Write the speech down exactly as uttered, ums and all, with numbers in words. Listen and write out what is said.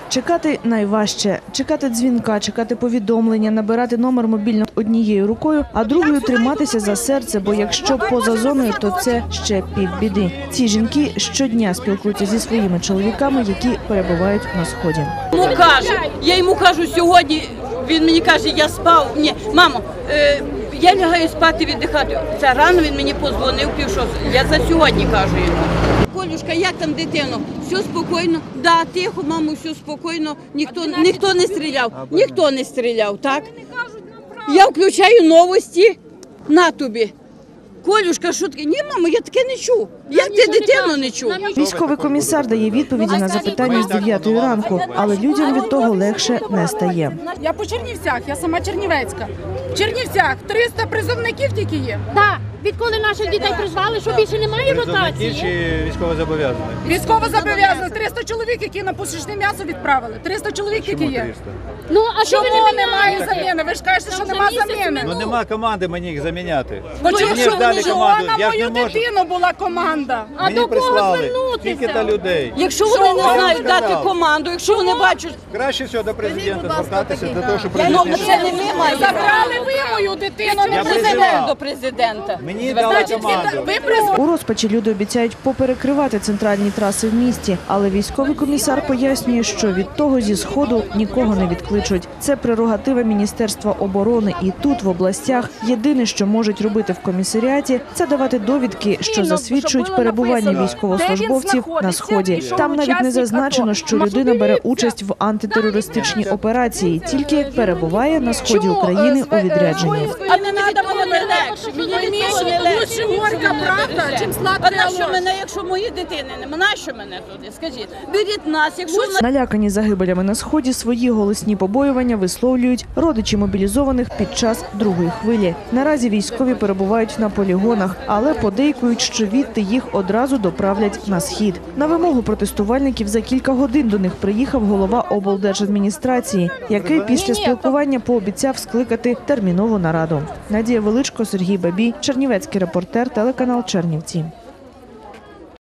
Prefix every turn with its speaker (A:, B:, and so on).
A: Чекати найважче. Чекати дзвінка, чекати повідомлення, набирати номер мобільного однією рукою, а другою триматися за серце, бо якщо поза зоною, то це ще півбіди. Ці жінки щодня спілкуються зі своїми чоловіками, які перебувають на Сході.
B: Йому кажу, я йому кажу сьогодні, він мені каже, я спав. Ні, мамо, е, я лягаю спати, віддихати. Це рано він мені подзвонив, півшов. Я за сьогодні кажу йому. Колюшка, як там дитино? Все спокійно? Да, тихо, мамо, все спокійно. Ніхто, ніхто не стріляв. Ніхто не стріляв, так? Я включаю новості на тобі. Колюшка, що таке? Ні, мамо, я таке не чув. Як ти дитину не чув?
A: Військовий комісар дає відповіді на запитання з дев'ятої ранку, але людям від того легше не стає.
C: Я по Чернівцях, я сама чернівецька. В Чернівцях триста призовників тільки є.
D: Так, відколи наших дітей призвали, що більше немає ротації?
E: Чи військовозобов'язаних?
C: Військовозобов'язаних. триста чоловік, які на пушечне м'ясо відправили. триста чоловік тільки є.
D: Ну, а що
C: Чому
D: ви не
C: немає
D: міняєте?
C: заміни? Ви ж кажете, що нема заміни.
E: Ну нема команди мені їх заміняти.
C: Ну,
E: Мені
C: якщо
E: ж дали
C: що,
E: команду,
C: на
E: я ж
C: мою
E: не можу.
C: дитину була команда.
D: А
E: Мені
D: до кого
E: прислали
D: звернутися?
E: тільки та людей.
B: Якщо вони не
E: вам
B: знають
E: сказав?
B: дати команду, якщо вони бачать,
E: Краще всього до президента звертатися для того, щоб
B: ну
E: президент...
B: це не ми маємо.
C: Забрали ви мою дитину, не
E: Я
B: Президент
E: призивав.
B: до президента.
E: Мені дали
C: Значить,
E: команду.
C: ви призвали.
A: У розпачі люди обіцяють поперекривати центральні траси в місті, але військовий комісар пояснює, що від того зі Сходу нікого не відкличуть. Це прерогатива Міністерства оборони. І тут, в областях, єдине, що можуть робити в комісаріаті, це давати довідки, що засвідчують перебування військовослужбовців на Сході. Там навіть не зазначено, що людина бере участь в антитерористичній операції, тільки перебуває на Сході України у відрядженні.
B: А не треба мене легше. Мені від того не легше.
C: Лучше горька правда, чим
B: А
C: сладка
B: на що
C: ложь.
B: мене, якщо мої дитини нема? На що мене туди? Скажіть, беріть нас, якщо в
A: Налякані загибелями на Сході свої голосні побоювання висловлюють родичі мобілізованих під час другої хвилі. Наразі військові перебувають на полігонах, але подейкують, що відти їх одразу доправлять на Схід. На вимогу протестувальників за кілька годин до них приїхав голова облдержадміністрації, який після спілкування пообіцяв скликати термінову нараду. Надія Величко, Сергій Бабій, Чернівецький репортер, телеканал Чернівці.